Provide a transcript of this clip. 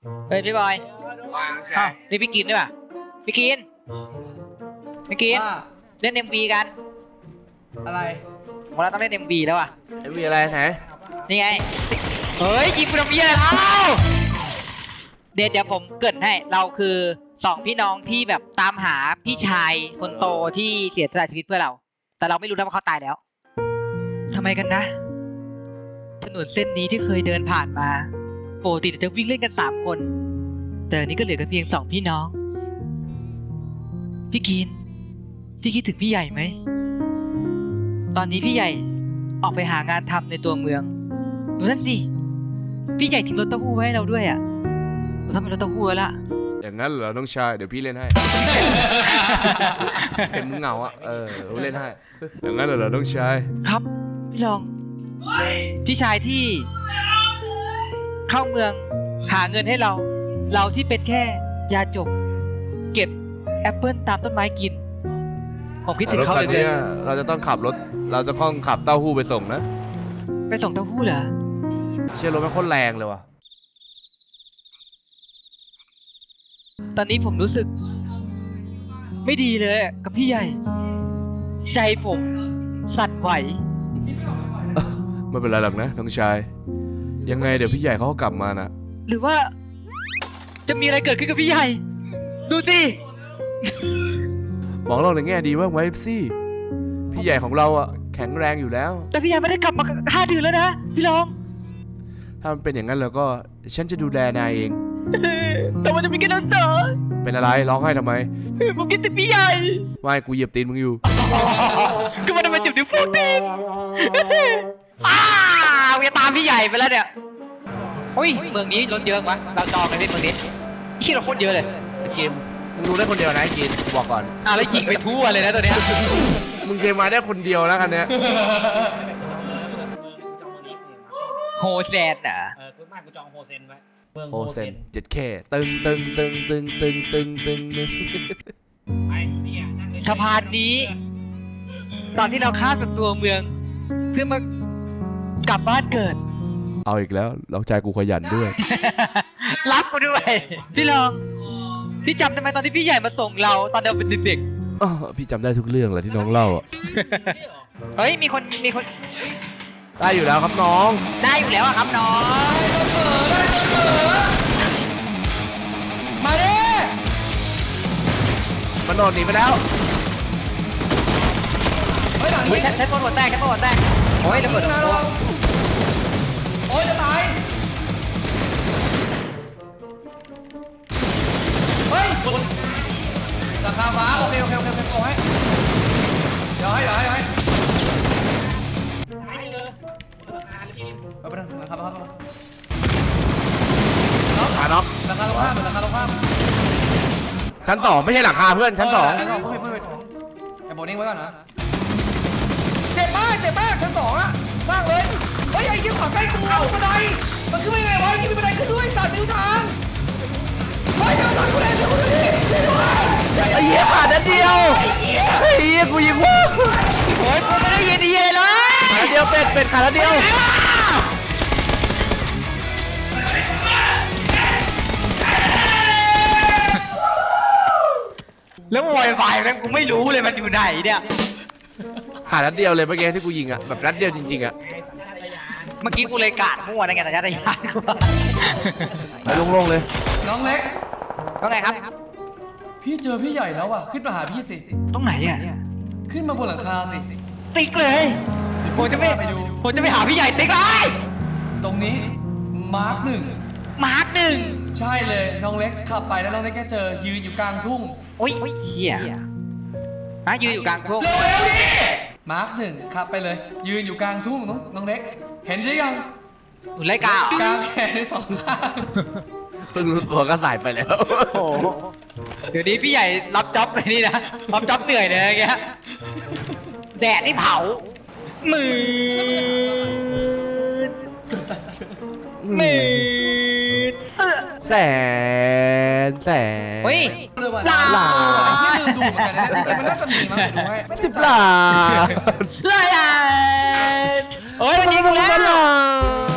เฮ้ยพี่บอยอ้าวนี่พี่กินด้วยป่ะพี่กินว่าเล่น MV กันอะไรผมว่าเราต้องเล่น MV แล้วอ่ะมีอะไรไหนนี่ไงเฮ้ยยิงกูทำเหี้ยอะไรเดี๋ยวผมเกริ่นให้เราคือ2พี่น้องที่แบบตามหาพี่ชายคนโตที่เสียสละชีวิตเพื่อเรา แต่เราไม่รู้นะว่าเขาตายแล้วทำไมกันนะถนนเส้นนี้ที่เคยเดินผ่านมาปกติจะวิ่งเล่นกัน3คนแต่อันนี้ก็เหลือกันเพียง2พี่น้องพี่กินพี่คิดถึงพี่ใหญ่ไหมตอนนี้พี่ใหญ่ออกไปหางานทำในตัวเมืองดูนั่นสิพี่ใหญ่ทิ้งรถเต้าหู้ไว้ให้เราด้วยอ่ะเราทำเป็นรถเต้าหู้แล้วล่ะอย่างนั้นเหรอน้องชายเดี๋ยวพี่เล่นให้ เห็นมึงเหงาอ่ะเล่นให้อย่างนั้นเหรอน้องชายครับพี่ลองพี่ชายที่เข้าเมืองหาเงินให้เราที่เป็นแค่ยาจกเก็บแอปเปิลตามต้นไม้กินผมคิดถึงเขาเลยเนี่ยเราจะต้องขับเต้าหู้ไปส่งนะไปส่งเต้าหู้เหรอเชื่อรถมันโคตรแรงเลยว่ะตอนนี้ผมรู้สึกไม่ดีเลยกับพี่ใหญ่ ใจผมสั่นไหวไม่เป็นไรหรอกนะน้องชายยังไงเดี๋ยวพี่ใหญ่เขาก็กลับมานะหรือว่าจะมีอะไรเกิดขึ้นกับพี่ใหญ่ ดูสิมองโลกในแง่ดีว่างไว้สิพี่ใหญ่ของเราอ่ะแข็งแรงอยู่แล้วแต่พี่ใหญ่ไม่ได้กลับมา5 เดือนแล้วนะพี่ลองถ้ามันเป็นอย่างนั้นแล้วก็ฉันจะดูแลนายเองแต่มันจะมีแค่นั้นเหรอเป็นอะไรร้องไห้ทำไมผมคิดถึงพี่ใหญ่ไม่กูเหยียบตีนมึงอยู่ก็มันทำไมเจ็บนิ้วโป้งตีนกูจะตามพี่ใหญ่ไปแล้วเนี่ยโอ้ยเมืองนี้รถเยอะวะเราจองกันที่เมืองนี้ขี้เราโคตรเยอะเลยไอ้เกมมึงรู้ได้คนเดียวนะไอ้กินบอกก่อนแล้วยิงไปทั่วเลยนะตัวเนี้ยมึงเคยมาได้คนเดียวนะคันเนี้ยโฮแซนอ่ะคือมากกูจองโฮเซนไว้เมืองโอโฮเซเซนน 7K ตึงไอ้เนี่ยนั่งเล่สะพานนี้ ตอนที่เราข้ามจากตัวเมือง เพื่อมากลับบ้านเกิดเอาอีกแล้วลองใจกูขยันด้วยรับกูด้วย พี่ลองพี่จำได้ไหมตอนที่พี่ใหญ่มาส่งเราตอนเราเป็นเด็กอ้อพี่จำได้ทุกเรื่องแหละที่น้องเล่าอ่ะๆเฮ้ยมีคนได้อยู่แล้วครับน้องได้อยู่แล้วอะครับน้องมาดิมันโดดหนีไปแล้วเฮ้ยหลังเฮ้ยนี้ฉันโดนหัวแตกโอ้ยระเบิดโอ้ยจะตายเฮ้ยราคาฟ้าโอเคโอให้เดี๋ยวให้เอาไปนะราคาฟ้าน็อกราคาลงข้ามชั้น 2ไม่ใช่หลังคาเพื่อนชั้น 2 เพิ่มไอ้โบนิ่งไว้ก่อนนะเจ็บมากชั้น 2อะสร้างเลยเฮ้ยไอ้ยิ้มขวางใกล้กูบันไดมันขึ้นไม่ไงวะยิ้มมีบันไดขึ้นด้วย3 นิ้วทางเฮ้ยทางกูแรงเดี๋ยวกูดิไอ้เหี้ยขาดนิดเดียวไอ้เหี้ยกูยิงว่าโอ้ยผมไม่ได้ยินดีเลยขาดเดียวเป็ดขาดเดียวแล้ววอยไฟแม่งกูไม่รู้เลยมันอยู่ไหนเนี่ยขาดนัดเดียวเลยเมื่อกี้ที่กูยิงอ่ะแบบนัดเดียวจริงๆอ่ะเมื่อกี้กูเลยกาดมั่วนะไงแต่ยัดยานกูไปโล่งๆเลยน้องเล็กว่าไงครับพี่เจอพี่ใหญ่แล้วอ่ะขึ้นมาหาพี่สิตรงไหนอ่ะขึ้นมาบนหลังคาสิติ๊กเลยผมจะไม่หาพี่ใหญ่ติ๊กเลยตรงนี้มาร์คมาร์ค 1ใช่เลยน้องเล็กขับไปแล้วน้องเล็กแค่เจอยืนอยู่กลางทุ่งโอ้ยเชี่ยยืนอยู่กลางทุ่งเร็วดิมาร์ค 1ขับไปเลย ยืนอยู่กลางทุ่งน้องเล็ก เห็นหรือยังอยู่ไรกากลางแขนใน2 ข้างเพิ่งรู้ตัวก็ใส่ไปแล้วโอ้เดี๋ยวนี้พี่ใหญ่รับจ็อบไปนี่นะรับจ็อบเหนื่อยเลยอย่างเงี้ยแดดนี่เผามือแสนเฮ้ยเลยว่ะหลาไอ้ที่ลืมดูเหมือนกันนะจริงๆมันน่าจะมีมั้งดูให้ 10 ล้านเฮ้ยมันยิงกูแล้ว